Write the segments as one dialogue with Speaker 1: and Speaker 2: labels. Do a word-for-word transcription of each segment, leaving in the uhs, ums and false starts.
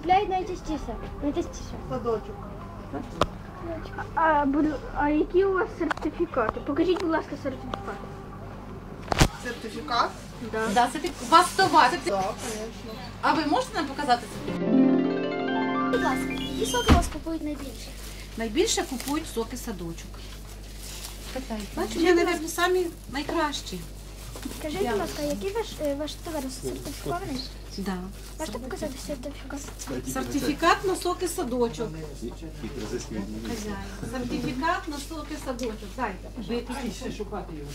Speaker 1: купляють найчастіше? Найчастіше.
Speaker 2: Садочок.
Speaker 1: А, а які у вас сертифікати? Покажіть, будь ласка, сертифікат.
Speaker 2: Сертифікат?
Speaker 1: Да.
Speaker 3: Да, це ти- у вас товар. Це-
Speaker 2: Так, звісно.
Speaker 3: А ви можете нам показати це?
Speaker 1: Будь ласка, які соки у вас купують найбільше?
Speaker 3: Найбільше купують соки садочок. Бачите, вони, мабуть, самі найкращі.
Speaker 1: Скажіть, будь ласка, який ваш, е, ваш товар сертифікований?
Speaker 3: Да.
Speaker 1: Можете показати сертифікат?
Speaker 3: Сертифікат на соки садочок. Хазяїн. Сертифікат на соки садочок. Дайте.
Speaker 4: Ще шукати його.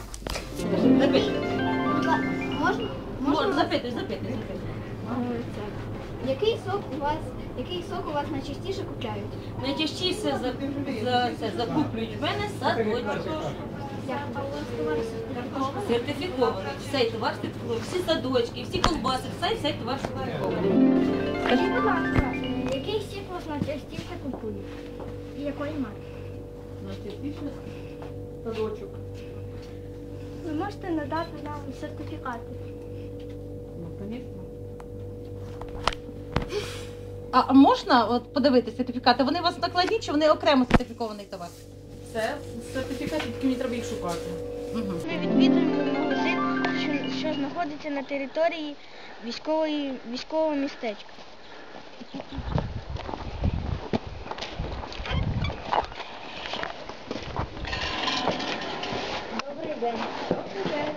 Speaker 1: Будь ласка, можна?
Speaker 3: Можна, запитуй, запитуй, запитуй.
Speaker 1: Який сок у вас, який сок у вас найчастіше купляють?
Speaker 5: Найчастіше за, за, це, закуплюють в мене садочок.
Speaker 1: Як а у вас товар сертифікований?
Speaker 5: Сертифікований. Цей товар сертифікований. Всі садочки, всі колбаси, все, цей товар сертифікований.
Speaker 1: Скажіть, будь ласка, е, який сік у вас найчастіше купують? І якої марки?
Speaker 5: Найчастіше садочок.
Speaker 1: Ви можете надати нам сертифікати?
Speaker 5: Ну, звісно.
Speaker 3: А можна от подивитися сертифікати? Вони у вас накладні чи вони окремо сертифікований товар?
Speaker 5: Це сертифікат, тільки мені треба їх шукати.
Speaker 3: Угу.
Speaker 1: Ми відвідуємо магазин, що, що знаходиться на території військової, військового містечка. Добрий день. Добрий день.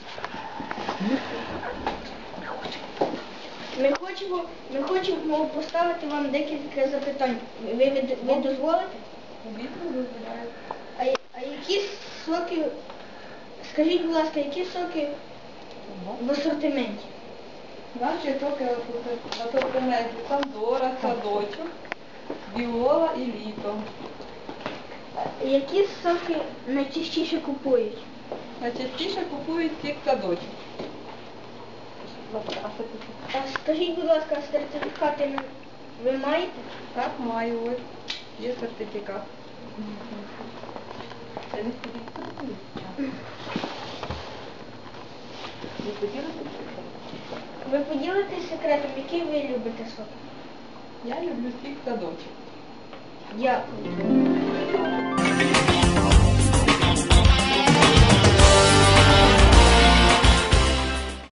Speaker 1: Ми хочемо, ми хочемо поставити вам декілька запитань. Ви, ви, ви дозволите? А, я- а які соки, скажіть, будь ласка, які соки в асортименті?
Speaker 2: Наші соки в асортименті Сандора, садочок, Віола і літо.
Speaker 1: А які соки найчастіше купують?
Speaker 2: Найчастіше купують сік садочок.
Speaker 1: А скажіть, будь ласка, сертифікати ви- ви маєте?
Speaker 2: Так, маю ось. Є сертифікат. Це не ходіть. Ви хотіли сертифікат?
Speaker 1: Ви поділитесь секретом, який ви любите сок?
Speaker 2: Я люблю сік садочок.
Speaker 1: Дякую.